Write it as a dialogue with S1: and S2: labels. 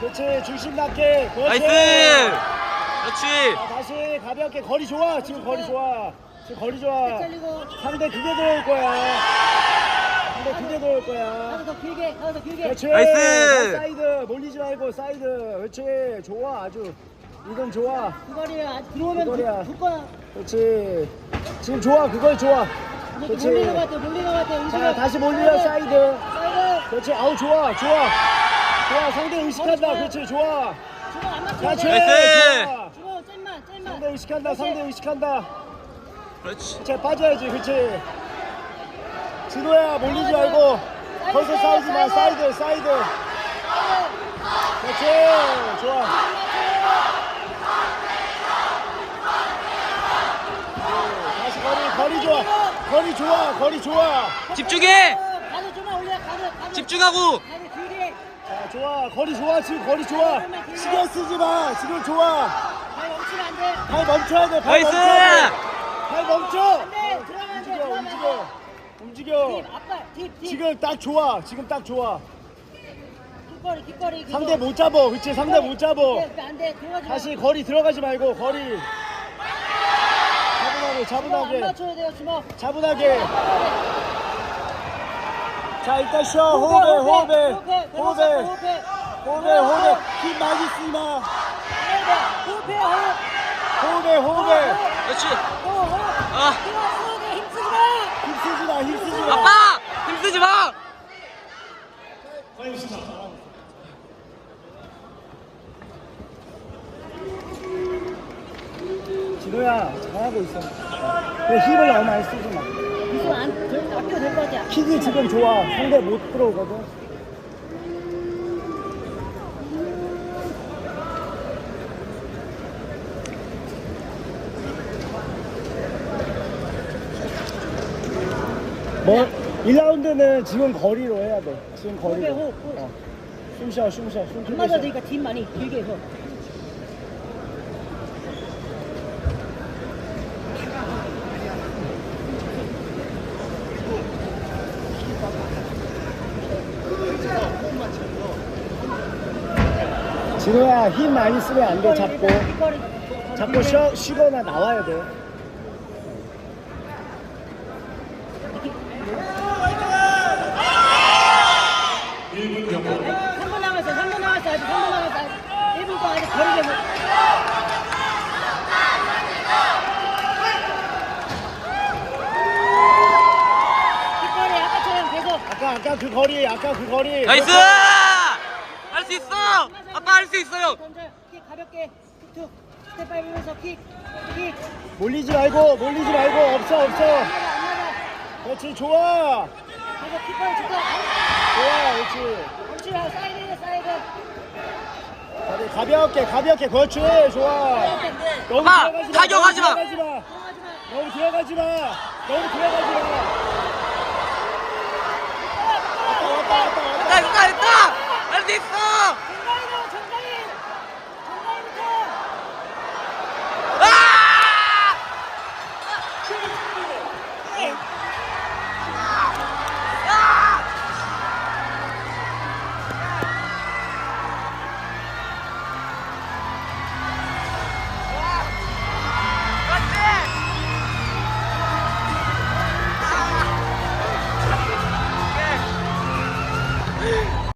S1: 그렇지. 중심 낮게. 그렇지.
S2: 나이스. 그렇지.
S1: 자, 다시 가볍게. 거리 좋아. 지금 거리 좋아. 지금 거리 좋아.
S3: 잘리고.
S1: 상대 그게 들어올 거야. 상대 그게 들어올 거야.
S3: 하나 더 길게, 하나 더 길게.
S1: 그렇지.
S2: 나이스.
S1: 사이드 몰리지 말고 사이드. 그렇지. 좋아. 아주 이건 좋아.
S3: 그 거리야. 들어오면
S1: 그거리야.
S3: 붙 거야.
S1: 그렇지. 지금 좋아. 그걸 좋아.
S3: 이제
S1: 그렇지.
S3: 몰리는 것 같아, 몰리는 것 같아.
S1: 자, 다시 몰리려 사이드.
S3: 사이드.
S1: 그렇지. 아우 좋아. 좋아. 좋아. 상대 의식한다. 그렇지. 좋아.
S3: 주먹 안 맞춰야
S1: 그렇지.
S3: 돼.
S2: 나이스.
S1: 좋아.
S3: 주먹 잼만, 잼만.
S1: 상대 의식한다. 상대 의식한다.
S2: 그렇지.
S1: 그렇지. 빠져야지. 그렇지. 진호야 몰리지 말고 거기서 싸우지 마. 사이드. 사이드. 그렇지. 좋아. 다시 거리 좋아. 거리 좋아. 거리 좋아.
S2: 집중해.
S3: 가드 좀만 올려, 가드.
S2: 집중하고.
S3: 가드 길게.
S1: 자, 좋아. 거리 좋아. 지금 거리 좋아. 신경 쓰지 마. 지금 좋아.
S3: 발 멈추면 안 돼.
S1: 발 멈춰야 돼. 발
S2: 나이스.
S1: 멈춰야 돼. 발 멈춰.
S3: 안 돼. 들어가면 안 돼.
S1: 움직여.
S3: 들어가면 안
S1: 움직여.
S3: 돼.
S1: 움직여.
S3: 딥, 앞발, 딥.
S1: 지금 딱 좋아. 지금 딱 좋아.
S3: 깃거리, 깃거리. 그거.
S1: 상대 못 잡어. 그치? 상대 못 잡어.
S3: 안 돼, 들어가지 마.
S1: 다시 거리 들어가지 말고 거리. 차분하게.
S3: 주먹 안
S1: 차분하게.
S3: 맞춰야 돼요, 주먹.
S1: 차분하게. 자, 일단 쉬어. 호흡해. 호흡해. 호흡해. 힘 많이 쓰지 마.
S3: 호흡해, 호흡.
S1: 호흡해.
S2: 그렇지.
S3: 호흡.
S2: 아.
S3: 힘쓰지 마.
S1: 힘쓰지 마. 힘쓰지 마.
S2: 아빠 힘쓰지 마.
S1: 진호야, 잘하고 있어. 그 힘을 너무 많이 쓰지 마.
S3: 이손 안, 아껴도 될 것 같아.
S1: 킥이 지금 좋아. 상대 못 들어오거든. 뭐 1라운드는 지금 거리로 해야 돼. 지금 거리로.
S3: 호흡.
S1: 숨 쉬어. 숨
S3: 안
S1: 크게
S3: 맞아도
S1: 쉬어.
S3: 되니까 딥 많이 길게 해서.
S1: 진호야, 힘 많이 쓰면 안 돼. 잡고.
S3: 깃거리.
S1: 자꾸 쉬거나 나와야 돼.
S3: 삼분 남았어, 3분 남았어, 아직 3분 남았어. 1분 동안 아직 거리게 못. 깃거리 아까처럼 계속.
S1: 아까 그 거리.
S2: 나이스. 할 수 있어. 아빠 할 수 있어요.
S3: 던져, 킥 가볍게, 툭툭. 스텝 밟으면서 킥.
S1: 몰리지 말고. 없어.
S3: 안 맞아.
S1: 그렇지, 좋아.
S3: 계속 킥거리 좋다.
S1: 좋아, 그렇지.
S3: 멈추라, 사이드.
S1: 가볍게. 그렇지, 좋아. 너무
S2: 아빠,
S1: 들어가지 마.
S2: 타격하지 마.
S3: 들어가지 마.
S1: 너무 들어가지 마. 왔다.
S2: 됐다.